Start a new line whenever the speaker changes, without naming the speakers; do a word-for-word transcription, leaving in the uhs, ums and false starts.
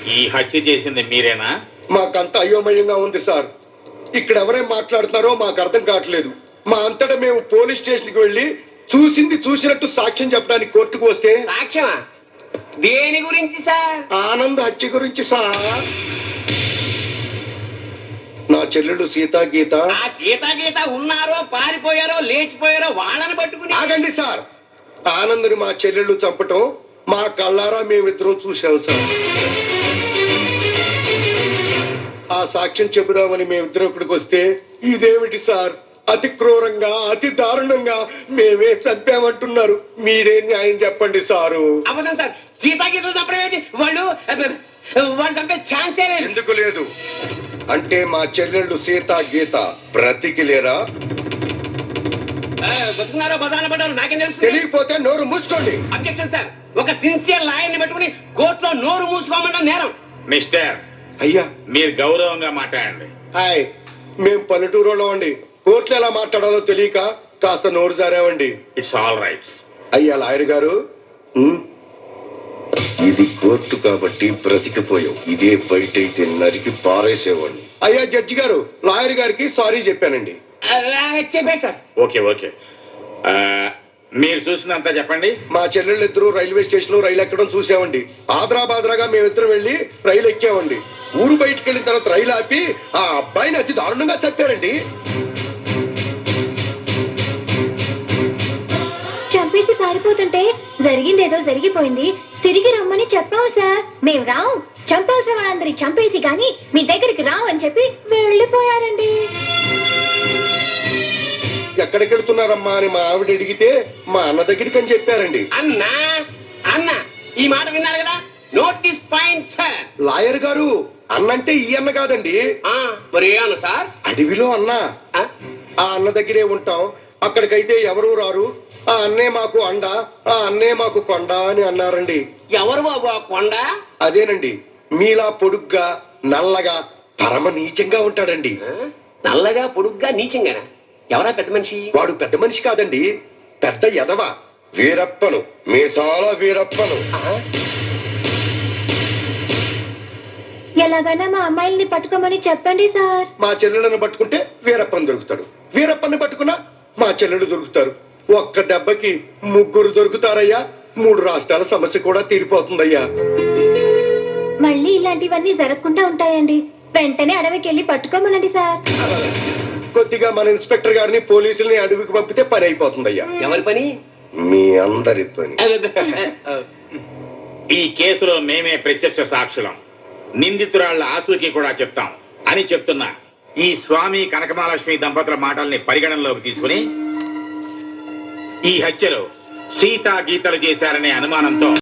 ఈ హత్య చేసింది మీరేనా?
మాకంత అయోమయంగా ఉంది సార్. ఇక్కడ ఎవరేం మాట్లాడుతున్నారో మాకు అర్థం కావట్లేదు. మా అంతటా మేము పోలీస్ స్టేషన్ కి వెళ్లి చూసింది చూసినట్టు సాక్ష్యం చెప్పడానికి కోర్టుకు వస్తే
సాక్ష్యమా? దేని గురించి సార్?
ఆనంద్ హత్య గురించి సార్. నా చెల్లెళ్ళు సీతా గీత.
ఆ సీతా గీత ఉన్నారో పారిపోయారో లేచిపోయారో వాళ్ళని పట్టుకుని.
ఆగండి సార్. ఆనంద్ని మా చెల్లెళ్ళు చంపటం మా కళ్ళారా మేమిద్దరం చూసాం సార్. ఆ సాక్ష్యం చెబుదామని మేమిద్దరం ఇక్కడికి వస్తే ఇదేమిటి సార్, అతి క్రూరంగా అతి దారుణంగా మేమే చంపామంటున్నారు. మీరే న్యాయం చెప్పండి సారు.
అబద్ధం సార్. సీతా గీతలు చంపడం ఏంటి? వాళ్ళు వాళ్ళు చంపే ఛాన్సే లేదు.
ఎందుకు లేదు అంటే మా చెల్లెళ్ళు సీతా గీత బ్రతికి లేరా?
బతుకున్నారో బదాన పడ్డారో నాకేం తెలుసు?
తెలియకపోతే నోరు మూసుకోండి.
Objection sir. ఒక సిన్సియర్ లాయర్ని పెట్టుకుని కోర్టులో నోరు మూసుకోమంటాం నేరం.
మిస్టర్,
అయ్యా
మీరు గౌరవంగా మాట్లాడండి.
హాయ్, మేం పల్లెటూరులో అండి. కోర్టులో ఎలా మాట్లాడాలో తెలియక కాస్త నోరు జారామండి.
It's all right.
అయ్యా లాయర్ గారు, ఇది కోర్టు కాబట్టి బ్రతికిపోయావు. ఇదే బయట అయితే నరికి పారేసేవాడిని. అయ్యా జడ్జి గారు, లాయర్ గారికి సారీ చెప్పానండి.
చెప్పే సార్.
ఓకే ఓకే, మీరు చూసినంత చెప్పండి.
మా చెల్లెళ్ళిద్దరూ రైల్వే స్టేషన్ లో రైలు ఎక్కడం చూసామండి. ఆదరా బాదరాగా మేమిద్దరం వెళ్లి రైలు ఎక్కామండి. ఊరు బయటకు వెళ్ళిన తర్వాత రైలు ఆపి ఆ అబ్బాయిని అతి దారుణంగా చంపారండి.
చంపేసి పారిపోతుంటే జరిగిందేదో జరిగిపోయింది, తిరిగి రమ్మని చెప్పావు సార్. మేము రావు, చంపాల్సిన వాళ్ళందరి చంపేసి గాని మీ దగ్గరికి రావు అని చెప్పి వెళ్ళిపోయారండి.
ఎక్కడికి వెళ్తున్నారమ్మా అని మా ఆవిడ అడిగితే మా అన్న దగ్గరికి అని చెప్పారండి.
అన్నా అన్న ఈ మాట విన్నారు కదా, నోటీస్ పాయింట్ సార్.
లాయర్ గారు, అన్నంటే ఈ అన్న కాదండి.
మరి ఏ అన్న సార్?
అడవిలో అన్న. ఆ అన్న దగ్గరే ఉంటాం. అక్కడికైతే ఎవరూ రారు. ఆ అన్నే మాకు అండ, ఆ అన్నే మాకు కొండ అని అన్నారండి.
ఎవరు బాబు ఆ కొండ?
అదేనండి, మీలా పొడుగ్గా నల్లగా పరమ నీచంగా ఉంటాడండి.
నల్లగా పొడుగ్గా నీచంగానా? ఎవరా పెద్ద మనిషి?
వాడు పెద్ద మనిషి కాదండి, పెద్ద ఎదవ. వీరప్పను, మీసాల వీరప్పను.
ఎలాగైనా మా అమ్మాయిల్ని పట్టుకోమని చెప్పండి సార్.
మా చెల్లెలను పట్టుకుంటే వీరప్పని దొరుకుతాడు, వీరప్పని పట్టుకున్నా మా చెల్లెలు దొరుకుతారు. ఒక్క దెబ్బకి ముగ్గురు దొరుకుతారయ్యా. మూడు రాష్ట్రాల సమస్య కూడా తీరిపోతుందయ్యా.
మళ్ళీ ఇలాంటివన్నీ జరగకుండా ఉంటాయండి. వెంటనే అడవికి వెళ్ళి పట్టుకోమనండి సార్.
కొద్దిగా మన ఇన్స్పెక్టర్ గారిని పోలీసుల్ని అడవికి పంపితే పని అయిపోతుందయ్యా.
ఎవరి పని?
మీ అందరి పని.
ఈ కేసులో మేమే ప్రత్యక్ష సాక్షులం, నిందితురాళ్ల ఆచూకీ కూడా చెప్తాం అని చెప్తున్నా ఈ స్వామి కనకమహాలక్ష్మి దంపతుల మాటల్ని పరిగణనలోకి తీసుకుని ఈ హత్యలో సీతా గీతలు చేశారనే అనుమానంతో